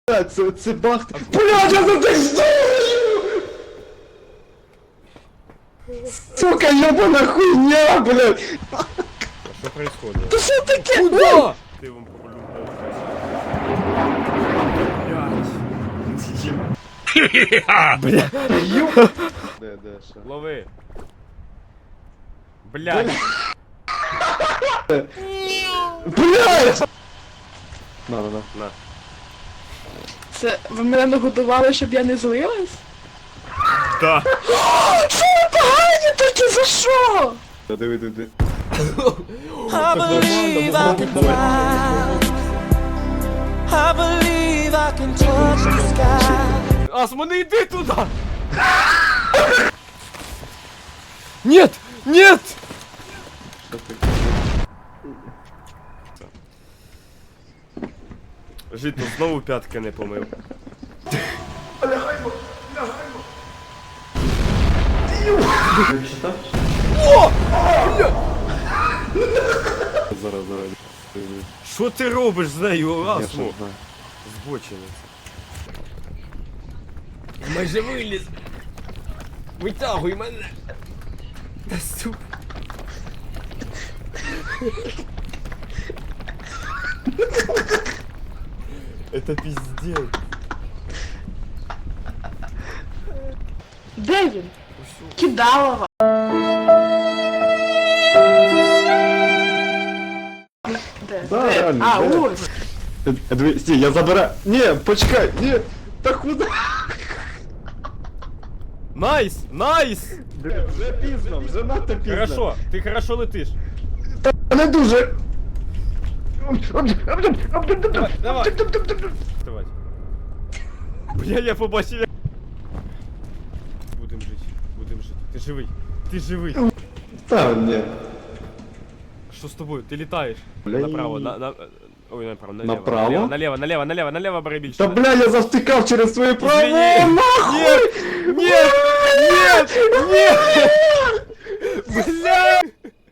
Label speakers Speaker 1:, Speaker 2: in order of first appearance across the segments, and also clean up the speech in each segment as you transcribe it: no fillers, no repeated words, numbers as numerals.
Speaker 1: Це бахт. Блядь, я за так здохну! Сука, ёбана хуйня, блядь!
Speaker 2: Что происходит?
Speaker 1: Та що таке?
Speaker 2: Куда? Ты вам полюбил. Блядь.
Speaker 1: Де, що?
Speaker 2: Лови. Блядь.
Speaker 1: Блядь! На.
Speaker 2: На.
Speaker 3: Це ви мене нагодували, щоб я не злилась?
Speaker 2: Да.
Speaker 3: Що ви погані такі, за що?
Speaker 1: Диви.
Speaker 4: I believe I can fly. I believe I can touch the sky.
Speaker 2: Асмо, не иди туда! Нет! Нет!
Speaker 1: Що ти?
Speaker 2: Жито, знову п'ятки не помив.
Speaker 1: Зараз.
Speaker 2: Що ти робиш з нею,
Speaker 1: Я що
Speaker 2: Асмо?
Speaker 1: знаю.
Speaker 2: Збочинець. Я майже виліз. Витягуй мене. Та сука. Это пиздец.
Speaker 3: Де він? Кидалова. Де?
Speaker 1: Да,
Speaker 3: Де?
Speaker 1: реально,
Speaker 3: А,
Speaker 1: де?
Speaker 3: ось.
Speaker 1: Диви, стій, я забираю. Ні, почекай, ні. Та куди?
Speaker 2: Найс! Найс!
Speaker 1: Вже пізно, вже надто пізно.
Speaker 2: Хорошо, ти хорошо летиш.
Speaker 1: Не дуже.
Speaker 2: Давай. Давай. Бля, я побачив. Будем жити. Ти живий. Ти живий.
Speaker 1: Та ні.
Speaker 2: Що з тобою? Ти літаєш.
Speaker 1: Бля,
Speaker 2: Направо,
Speaker 1: і-
Speaker 2: Ой, направо, налево.
Speaker 1: Направо?
Speaker 2: Налево, бери більше.
Speaker 1: Та бля, я завтикав через своє право.
Speaker 2: Извини.
Speaker 1: Нахуй!
Speaker 2: Нет! Бля!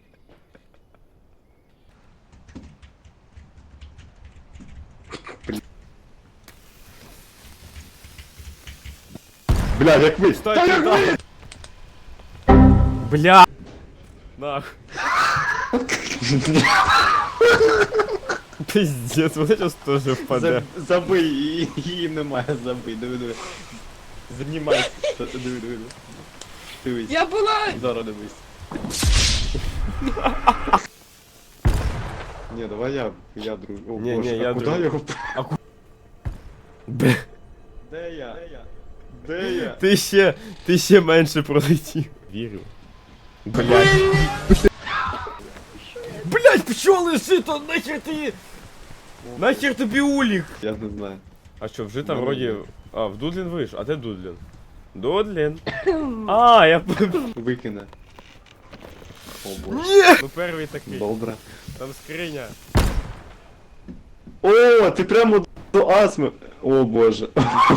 Speaker 1: Бля, як ви?
Speaker 2: Стой, Бля! Нах. Пиздец, вот сейчас тоже впаде.
Speaker 1: Забий, її немає, забий, диви. Знімай. Диви. Дивись.
Speaker 3: Я була...
Speaker 1: Зараз дивись. Ні, давай я друг. О,
Speaker 2: Ні,
Speaker 1: боже,
Speaker 2: ні, я
Speaker 1: а куди
Speaker 2: друг.
Speaker 1: його?
Speaker 2: Бля.
Speaker 1: Де я? Де я?
Speaker 2: Ти ще менше пролетів. Вірю. Блядь. Блядь, пчоли жито, нахер ти... Нахер тобі улік?
Speaker 1: Я не знаю.
Speaker 2: А що, вже там
Speaker 1: Ну,
Speaker 2: вроді... А, в Дудлін вийшов. А де Дудлін? Дудлін. А, я...
Speaker 1: Викине. О боже.
Speaker 2: Ні! Ну перший такий.
Speaker 1: Добре.
Speaker 2: Там скриня.
Speaker 1: О, ти прямо до астми. О боже.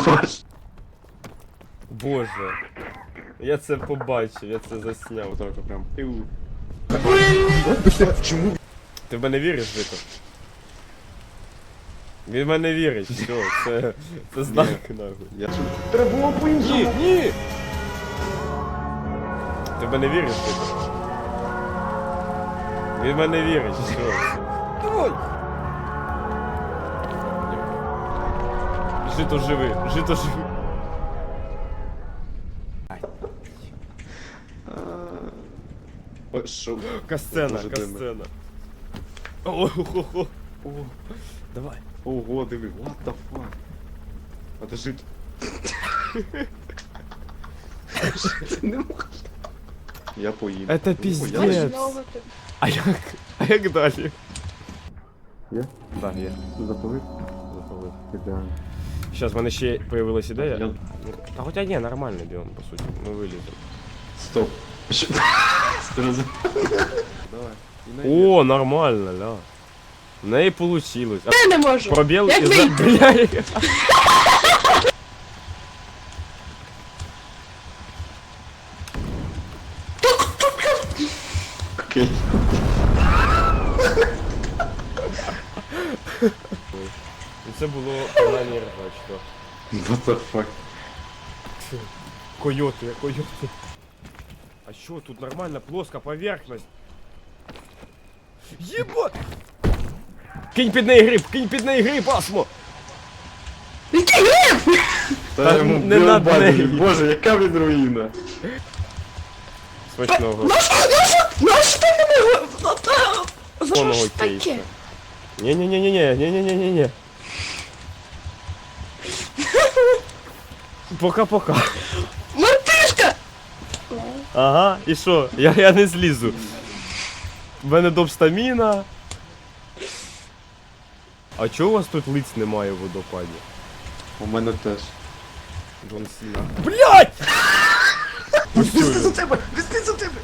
Speaker 2: Боже. Я це побачив, я це засняв.
Speaker 1: Отак прям.
Speaker 2: Чому? Ти в мене віриш, Жито? Він в мене вірить, все, це знак нахуй.
Speaker 1: Я треба було по-іншому.
Speaker 2: Ні! Ти в мене віриш, Жито? Він в мене вірить, все. Давай! Жито живи, Жито живи.
Speaker 1: Ой, шо?
Speaker 2: Касцена,
Speaker 1: Боже,
Speaker 2: касцена. О-хо-хо. О, давай.
Speaker 1: Ого, диви, what the fuck? А ти жить. Не можу. Я поїм.
Speaker 2: Это
Speaker 1: Ой,
Speaker 2: пиздец.
Speaker 1: я-
Speaker 2: Нет. А як далі?
Speaker 1: Є?
Speaker 2: Так, є.
Speaker 1: Запалив?
Speaker 2: Запалив.
Speaker 1: Ідеально.
Speaker 2: Зараз в мене ще появилась ідея.
Speaker 1: Я-
Speaker 2: Та хоча ні, нормальний біом, по суті. Ми виліземо.
Speaker 1: Стоп. Що? Давай. І на
Speaker 2: О, нормально, ля. В неї получилось. А
Speaker 3: Я не можу.
Speaker 2: пробіл
Speaker 3: Як
Speaker 2: і за...
Speaker 3: вийти?
Speaker 2: Бля.
Speaker 1: Окей.
Speaker 2: Оце було принаймні ржачно.
Speaker 1: What the fuck?
Speaker 2: Койоти, койоти. А що, тут нормально, плоска поверхность. Єбать! Кинь під неї гриб, кинь під неї гриб, Асмо!
Speaker 3: Який гриб?
Speaker 1: Та йому
Speaker 2: не надо
Speaker 1: білбаді.
Speaker 2: неї.
Speaker 1: Боже, яка він руїна.
Speaker 2: Смачного.
Speaker 3: Наш ти мене... За що
Speaker 2: Повного
Speaker 3: ж таке?
Speaker 2: кейса. Не-не-не-не-не-не-не-не-не. Пока-пока.
Speaker 3: Мартишка!
Speaker 2: Ага, і що? Я не злізу. В мене допстаміна. А чого у вас тут лиць немає в водопаді?
Speaker 1: У мене теж.
Speaker 2: Джон Сіна. Блять!
Speaker 1: Візьми за тебе! Візьми за тебе!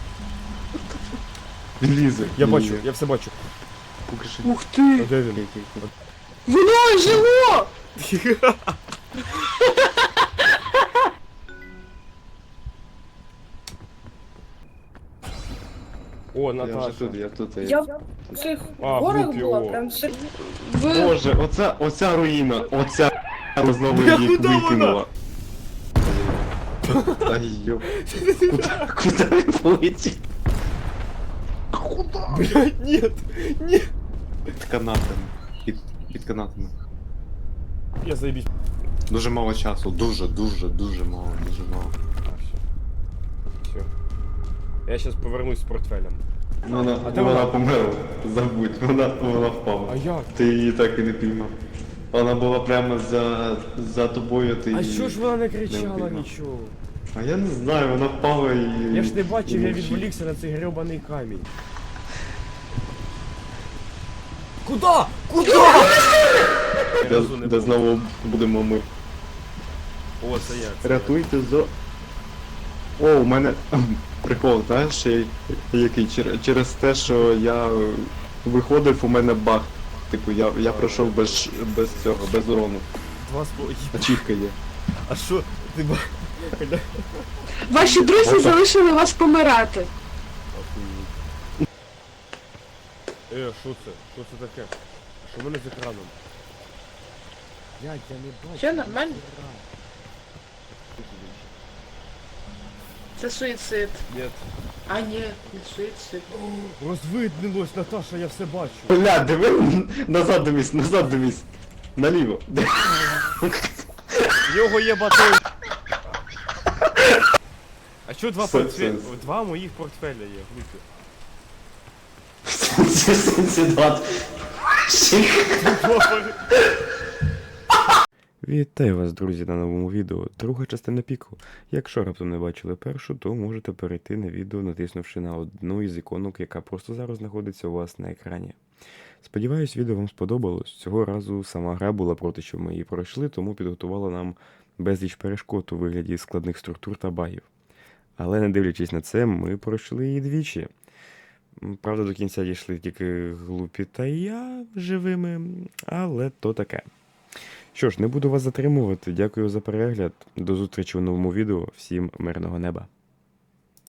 Speaker 1: Він лізе.
Speaker 2: Я
Speaker 1: Він
Speaker 2: бачу,
Speaker 1: лізе.
Speaker 2: я все бачу.
Speaker 1: Покажи.
Speaker 3: Ух
Speaker 2: А
Speaker 3: ти!
Speaker 2: де він?
Speaker 3: Воно жило!
Speaker 2: О,
Speaker 1: Я вже
Speaker 2: Наташа.
Speaker 1: тут, я тут.
Speaker 5: Я в цих
Speaker 2: А,
Speaker 5: горах
Speaker 2: глупі,
Speaker 5: була,
Speaker 2: о.
Speaker 5: прям
Speaker 3: Ви...
Speaker 1: Боже, оця руїна, оця знову
Speaker 2: Бля,
Speaker 1: її
Speaker 2: куди вона?
Speaker 1: викинула. Ай, йоп. Куда він полетів?
Speaker 2: Блять, нет, нет.
Speaker 1: Під канатами. Під канатами.
Speaker 2: Я заебись.
Speaker 1: Дуже мало часу, дуже мало, дуже мало.
Speaker 2: Все. Я сейчас повернусь з портфелем.
Speaker 1: Вона,
Speaker 2: А де
Speaker 1: вона
Speaker 2: вона?
Speaker 1: померла, забудь, вона впала.
Speaker 2: А як?
Speaker 1: Ти її так і не піймав. Вона була прямо за тобою, ти
Speaker 2: А
Speaker 1: її
Speaker 2: що ж вона не
Speaker 1: не
Speaker 2: кричала
Speaker 1: впіймав.
Speaker 2: нічого?
Speaker 1: А я не знаю, вона впала і...
Speaker 2: Я ж не бачив,
Speaker 1: і
Speaker 2: я
Speaker 1: мовчить.
Speaker 2: відволікся на цей гребаний камінь. Куда? Куда?
Speaker 1: Де знову будемо ми.
Speaker 2: О, це я. Це
Speaker 1: Рятуйте зо... О, у мене прикол, знаєш, який? Через те, що я виходив, у мене баг. Типу, я пройшов без цього, без урону.
Speaker 2: я. 2,5.
Speaker 1: Ачівка є.
Speaker 2: А що? Ти ба...
Speaker 3: Ваші друзі
Speaker 1: Опа.
Speaker 3: залишили вас помирати.
Speaker 2: Що це? Що це таке? Що в мене з екраном? Я не бачу.
Speaker 3: Все нормально? Це суїцид.
Speaker 2: Нет.
Speaker 3: А ні, не суїцид.
Speaker 2: Розвиднилось, Наташа, я все бачу.
Speaker 1: Бля, диви, назад дивись. Наліво.
Speaker 2: В нього є батон. А що два
Speaker 1: Сенс.
Speaker 2: портфеля? Два моїх портфеля є, глупі.
Speaker 1: Сенсідат.
Speaker 2: Вітаю вас, друзі, на новому відео. Друга частина піку. Якщо раптом не бачили першу, то можете перейти на відео, натиснувши на одну із іконок, яка просто зараз знаходиться у вас на екрані. Сподіваюсь, відео вам сподобалось. Цього разу сама гра була проти, щоб ми її пройшли, тому підготувала нам безліч перешкод у вигляді складних структур та багів. Але не дивлячись на це, ми пройшли її двічі. Правда, до кінця дійшли тільки глупі та я живими, але то таке. Що ж, не буду вас затримувати. Дякую за перегляд. До зустрічі у новому відео. Всім мирного неба.